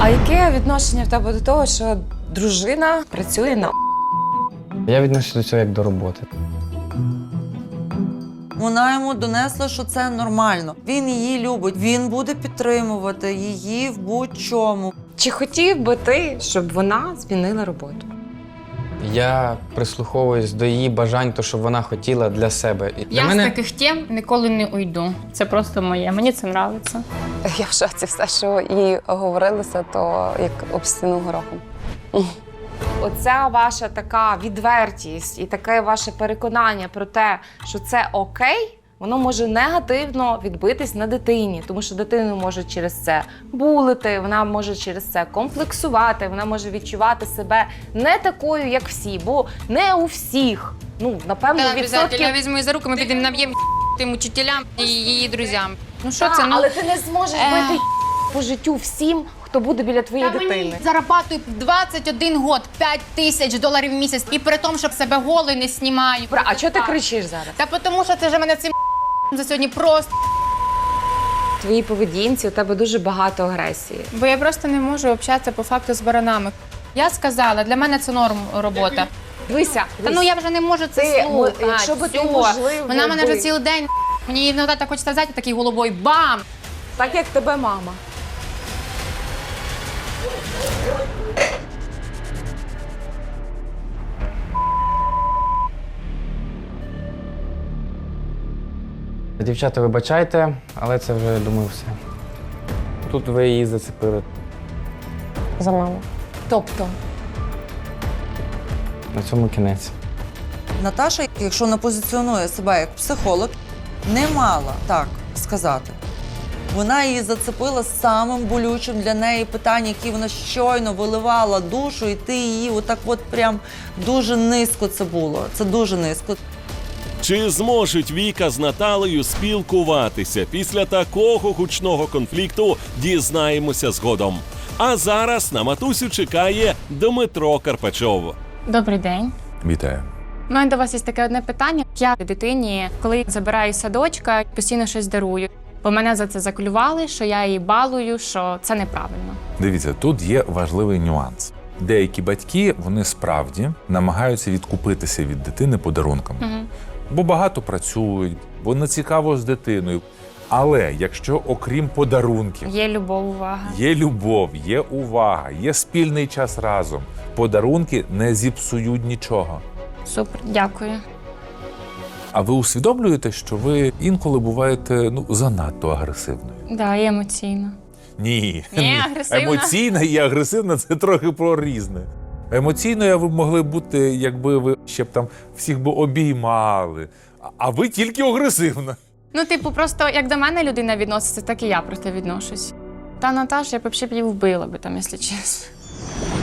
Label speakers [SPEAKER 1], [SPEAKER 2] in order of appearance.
[SPEAKER 1] А яке відношення в тебе до того, що дружина працює на
[SPEAKER 2] Я відношуся до цього як до роботи.
[SPEAKER 3] Вона йому донесла, що це нормально. Він її любить, він буде підтримувати її в будь-чому.
[SPEAKER 1] Чи хотів би ти, щоб вона змінила роботу?
[SPEAKER 2] Я прислуховуюсь до її бажань, то, що вона хотіла для себе. І для
[SPEAKER 4] Я
[SPEAKER 2] мене...
[SPEAKER 4] з таких тем ніколи не уйду. Це просто моє. Мені це подобається.
[SPEAKER 1] Я в шоці, все, що їй говорилося, то як об стіну горохом. Оця ваша така відвертість і таке ваше переконання про те, що це окей, воно може негативно відбитись на дитині, тому що дитину може через це булити, вона може через це комплексувати, вона може відчувати себе не такою, як всі, бо не у всіх. Ну, напевно,
[SPEAKER 4] Я візьму за руку, ми підемо наб'ємо тим учителям і її друзям. Ну що
[SPEAKER 1] Так,
[SPEAKER 4] це?
[SPEAKER 1] але ти не зможеш бити по життю всім, хто буде біля твоєї дитини.
[SPEAKER 4] Зарабатую 21 год, $5000 в місяць. І при тому, щоб себе голою не знімаю.
[SPEAKER 1] А чого ти кричиш зараз?
[SPEAKER 4] Та тому, що це вже мене цим за сьогодні просто.
[SPEAKER 1] В твоїй поведінці у тебе дуже багато агресії.
[SPEAKER 4] Бо я просто не можу общатися по факту з баранами. Я сказала, для мене це норм робота.
[SPEAKER 1] Дивися,
[SPEAKER 4] Та ну я вже не можу це
[SPEAKER 1] Ти,
[SPEAKER 4] слухати.
[SPEAKER 1] якщо би ти,
[SPEAKER 4] Всьо.
[SPEAKER 1] можливо,
[SPEAKER 4] Вона мене вже
[SPEAKER 1] би-
[SPEAKER 4] цілий день, мені іноді так хочеться взяти такий головою, бам!
[SPEAKER 1] так як тебе мама.
[SPEAKER 2] Дівчата, вибачайте, але це вже, думаю, все. Тут ви її зацепили.
[SPEAKER 1] За маму. Тобто?
[SPEAKER 2] На цьому кінець.
[SPEAKER 3] Наташа, якщо вона позиціонує себе як психолог, не мала так сказати. Вона її зацепила самим болючим для неї питанням, які вона щойно виливала душу, і ти її отак от прям дуже низько це було. Це дуже низько.
[SPEAKER 5] Чи зможуть Віка з Наталею спілкуватися після такого гучного конфлікту, дізнаємося згодом. А зараз на матусю чекає Дмитро Карпачов.
[SPEAKER 4] Добрий день.
[SPEAKER 6] Вітаю.
[SPEAKER 4] У мене до вас є таке одне питання. Я дитині, коли забираю з садочка, постійно щось дарую. Бо мене за це заклювали, що я її балую, що це неправильно.
[SPEAKER 6] Дивіться, тут є важливий нюанс. Деякі батьки, вони справді намагаються відкупитися від дитини подарунками. Бо багато працюють, бо не цікаво з дитиною. Але якщо окрім подарунків
[SPEAKER 4] Є любов, увага.
[SPEAKER 6] є любов, є увага, є спільний час разом, подарунки не зіпсують нічого.
[SPEAKER 4] Супер, дякую.
[SPEAKER 6] А ви усвідомлюєте, що ви інколи буваєте занадто агресивною?
[SPEAKER 4] Да, і емоційно.
[SPEAKER 6] Ні.
[SPEAKER 4] Ні, агресивна.
[SPEAKER 6] Емоційна і агресивна – це трохи про різне. Емоційною ви могли бути, якби ви ще б там всіх би обіймали. А ви тільки агресивна.
[SPEAKER 4] Ну, типу, просто як до мене людина відноситься, так і я просто відношусь. Та Наташа, я б взагалі її вбила би там, якщо чесно.